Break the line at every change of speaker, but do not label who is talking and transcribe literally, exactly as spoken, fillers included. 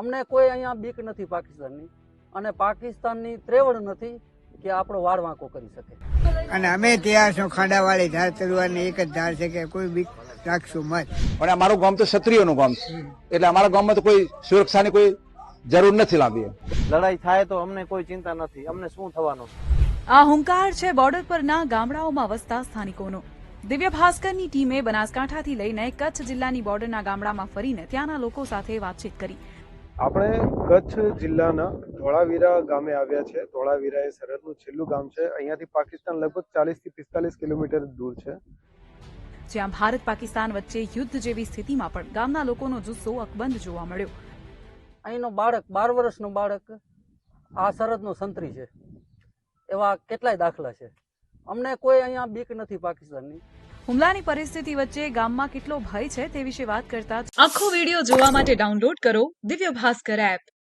અમને કોઈ અહીંયા બીક નથી પાકિસ્તાનની, અને પાકિસ્તાનની ત્રેવડ નથી કે આપણો વાળ વાંકો કરી શકે.
અને અમે ત્યાં શું ખાડાવાળી ધાર તરવાની એક જ ધાર છે કે કોઈ બીક રાખશું મત.
પણ અમારું ગામ તો ક્ષત્રિયોનું ગામ છે, એટલે અમારા ગામમાં તો કોઈ સુરક્ષાની કોઈ જરૂર નથી લાંબી.
લડાઈ થાય તો અમને કોઈ ચિંતા નથી, અમને શું થવાનું.
આ હુંકાર છે બોર્ડર પરના ગામડાઓમાં વસતા સ્થાનિકોનો. દિવ્ય ભાસ્કરની ટીમે બનાસકાંઠાથી લઈને કચ્છ જિલ્લાની બોર્ડરના ગામડામાં ફરીને ત્યાંના લોકો સાથે વાતચીત કરી.
આપણે કચ્છ જિલ્લાના ધોળાવીરા ગામે આવ્યા છે. ધોળાવીરા એ સરહદનું છેલ્લું ગામ છે. અહીંયાથી પાકિસ્તાન લગભગ ચાલીસ થી પિસ્તાલીસ કિલોમીટર દૂર છે.
જ્યાં ભારત પાકિસ્તાન વચ્ચે યુદ્ધ જેવી સ્થિતિમાં પણ ગામના લોકોનો જુસ્સો અકબંધ જોવા મળ્યો.
અહીંનો બાળક, બાર વર્ષનું બાળક આ સરહદનો સંતરી છે, એવા કેટલાય દાખલા છે. અમને કોઈ અહીંયા બીક નથી પાકિસ્તાનની.
હુમલાની પરિસ્થિતિ વચ્ચે ગામમાં કેટલો ભય છે તે વિશે વાત કરતા આખો વિડીયો જોવા માટે ડાઉનલોડ કરો દિવ્ય ભાસ્કર એપ.